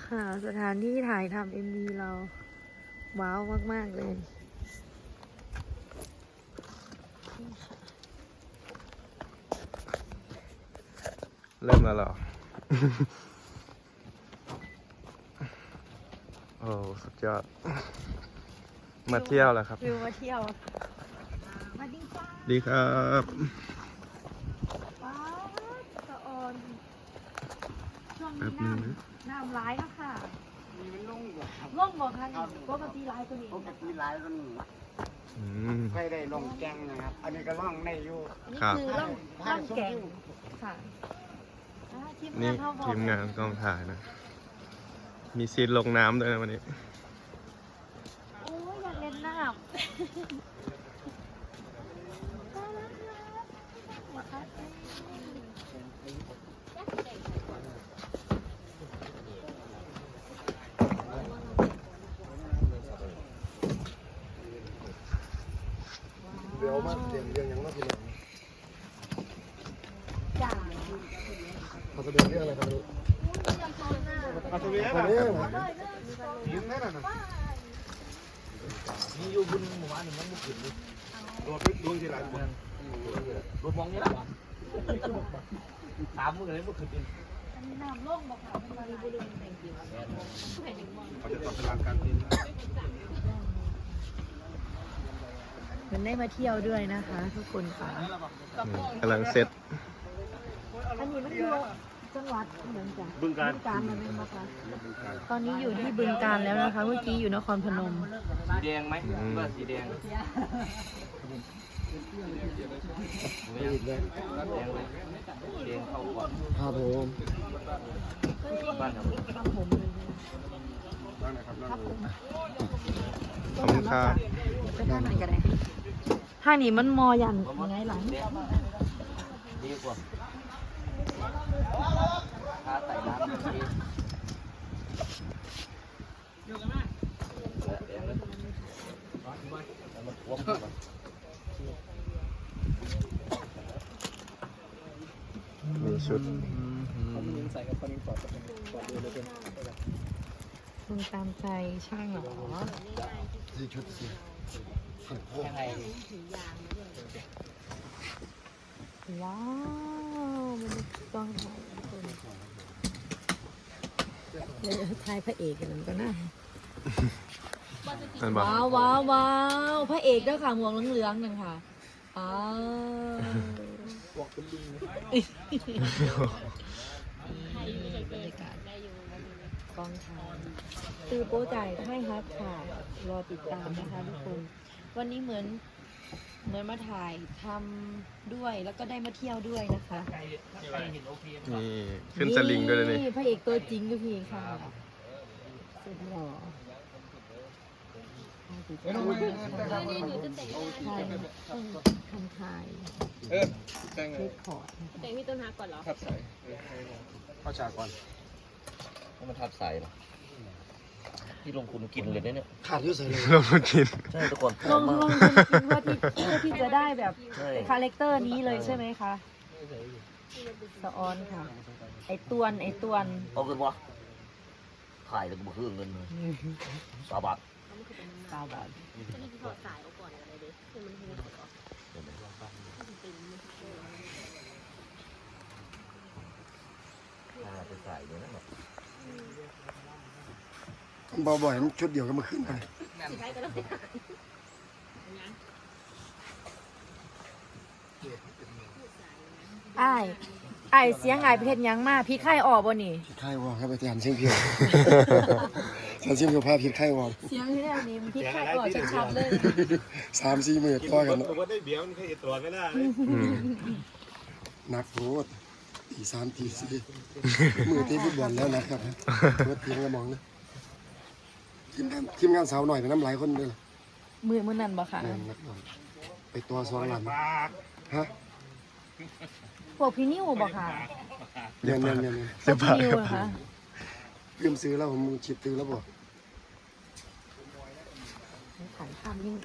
ค่ะ สถานที่ถ่ายทำMVเราว้าวมากๆเลยเริ่มแล้วเหรอ โอ้สุดยอด มาเที่ยวแล้วครับวิวมาเที่ยวมาดีจ้าดีครับว้าวสะออนช่วงแป๊นี้บนึงนะน้ำร้ายแล้วค่ะมีมันลงบ่ครับล่องบ่คะปกติร้ายตัวนี้ปกติหลายมันอืมเคยได้ลงแกงนะครับ อันนี้ก็ล่องในอยู่อันนี้ครับคือล่องแก่งค่ะทีมนี่งานเขาบอกทีมงานกองถ่ายนะ มีซีนลงน้ำด้วยนะวันนี้โอ้ยอยากเล่นน้ำเดี๋ยวมาเรียนเรื่องยังว่าพี่น้องจ้าเขาแสดงเรื่องอะไรครับลูกมาตัวนี้วันนี้ยิงได้แล้วนะมีอยู่บนหมู่บ้านหนึ่งมันมุกขึ้นดิโดดดวงที่หลายคนรถมองนี่แหละถามมึงเลยมุกขึ้นดิอันนี้น้ำล่องบ่ค่ะมันมารีบุรีแต่งจริงเขาจะตอบพลังการบินมันได้มาเที่ยวด้วยนะคะ ทุกคนค่ะกำลังเซ็ตอันนี้มันอยู่จังหวัดเหมือนกันบึงกาฬแล้วไหมคะตอนนี้อยู่ที่บึงกาฬแล้วนะคะ เมื่อกี้อยู่นครพนมสีแดงไหมเมื่อสีแดงไม่หยุดเลยแดงไหมแดงเข้าก่อนครับผมบ้านครับครับผมนั่นนะครับนั่นครับผมขอบคุณครับไปทางไหนกันเลยทางนี้มันมอยันยังไงหลังดีกว่าถ้าใส่น้ำดีมีชุดคุณตามใจช่างเหรอสี่ชุดสี่ขันโพกยังไงว้าวมันต้องถ่ายทุกคนเลยถ่ายพระเอกกันก็น่านั่นบอกว้าวว้าวว้าวพระเอกด้วยค่ะหมวกเหลืองๆนั่นค่ะอ้าวบรรยากาศกองถ่ายตือโป๊จ่ายให้ครับค่ะรอติดตามนะคะทุกคนวันนี้เหมือนมาถ่ายทำด้วยแล้วก็ได้มาเที่ยวด้วยนะคะนี่ขึ้นสลิงด้วยนะนี่พระเอกตัวจริงก็พี่ค่ะสุดหล่อถ่ายทำถ่ายแต่งเรคคอร์ดนะคะแต่งพี่ต้นฮักก่อนเหรอทับใส่เข้าฉากก่อนมันทับใส่หรอที่ลงทุนกินเลยเนี่ยขาดยุ่ใส่เลยเรามากินใช่ทุกคนลงทุนจริงๆเพื่อที่จะได้แบบใช่คาแรคเตอร์นี้เลยใช่ไหมคะสะออนค่ะ ไอตวนเอาเงินวะถ่ายแล้วก็มาคืนเงินสาบาท 9 บาทก็นี่คือถอดสายออกก่อนอะไรดิคือมันหูถอดออกไปใส่เลยนะเบาบ่อยชุดเดียวก็มาขึ้นไปสีไทยก็ต้องไอ้ายเสียงไอ้ายเพชรยังมาพี่ไข่ออกบ่นี่ผิดไข้วอครับไปทานเชียงเพียวทานเชียงเพียวพาผิดไข้วอเสียงที่นี่นี่พี่ไข่ออกชัดๆเลย 3-4 มื้อต่อกันผมว่าได้เบี้ยวมันเคยตรวจไม่ได้อืมนักโทษตี3ตี4มือตีฟุตบอลแล้วนะครับรถทีมกระมองนะทีมงานสาวหน่อยเป็นน้ำหลายคนเลยล่ะมือนั่นบ่ค่ะนักบอลไปตัวซองหลังฮะพวกพี่นิ้วบ่ค่ะเนียนพเสื้วอก ผ้าพี่นิ้วครับนะคะลืมซื้อแล้วผมชิดซื้อแล้วบ่ถ่ายภาพนิ่ง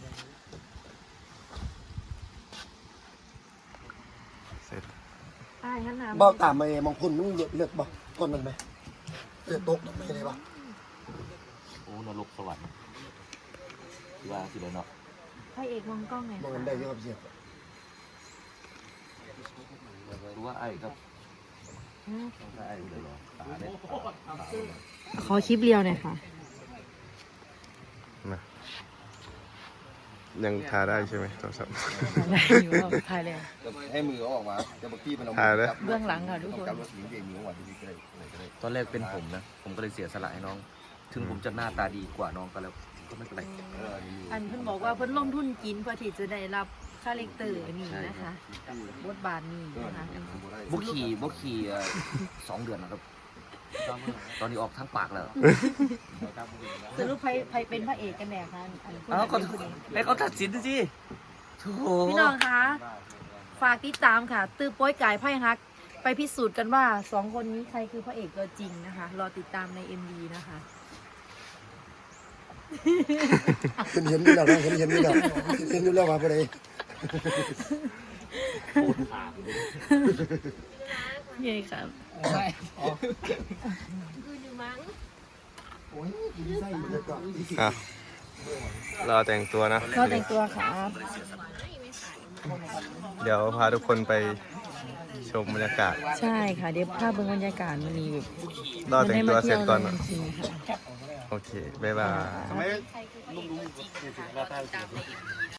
เสร็จไอ้ายท่านน้บอกตามมาบางคนมันเลือกบอกต้นนั้นไหมเลือกตกไม่ได้ปะโอ้นรกสวรรค์ที่ว่าสิเลยเนาะพระเอกมองกล้องไงมองกันได้เยอะครับเสียรู้ว่าไอ้ครับไอ้เลยเหรอตาเนี่ยขอคลิปเรียวหน่อยค่ะนะยังทาได้ใช่ไหมโทรศัพท์ได้อยู่ว่าถ่ายแล้วให้มือออกมาจะบางทีมันเอาถ่ายเลยเบื้องหลังค่ะทุกคนจับรถหญิงเองมือหวานดีก็ได้ก็ได้ตอนแรกเป็นผมนะผมก็เลยเสียสละให้น้อง ถึงผมจะหน้าตาดีกว่าน้องก็แล้วก็ไม่เป็นไรอันเพิ่นบอกว่าเพิ่นลงทุนกินเพื่อที่จะได้รับคาแรคเตอร์นี่นะคะบทบาทนี้นะคะบุขี่2 เดือนนะครับ ตอนนี้ออกทั้งปากแล้วสรุปใครเป็นพระเอกกันแน่คะอันคนเอ้าไหนก็เป็นผู้หญิงให้เขาตัดสินสิโถ่พี่น้องคะฝากติดตามค่ะ ตื้อโป้ยกายไพ่ฮัก ไปพิสูจน์กันว่า2 คนนี้ใครคือพระเอกตัวจริงนะคะ รอติดตามใน MV นะคะเห็นอยู่แล้วนะเห็นอยู่แล้วเห็นอยู่แล้วว่าไปไหนเย้ครับคืออยู่มั้งโอ้ยดีไส้เยอะกว่าอ่ะรอแต่งตัวนะก็แต่งตัวครับเดี๋ยวพาทุกคนไปชมบรรยากาศใช่ค่ะ เดี๋ยวภาพเบื้องบรรยากาศมันมีแบบรอแต่งตัวเสร็จก่อนมันะได้มาเที่ยวเลยจริงๆค่ะโอเค บ๊ายบายทำไมใครคือพระเอกตัวจริงนะคะรอติดตามใน MV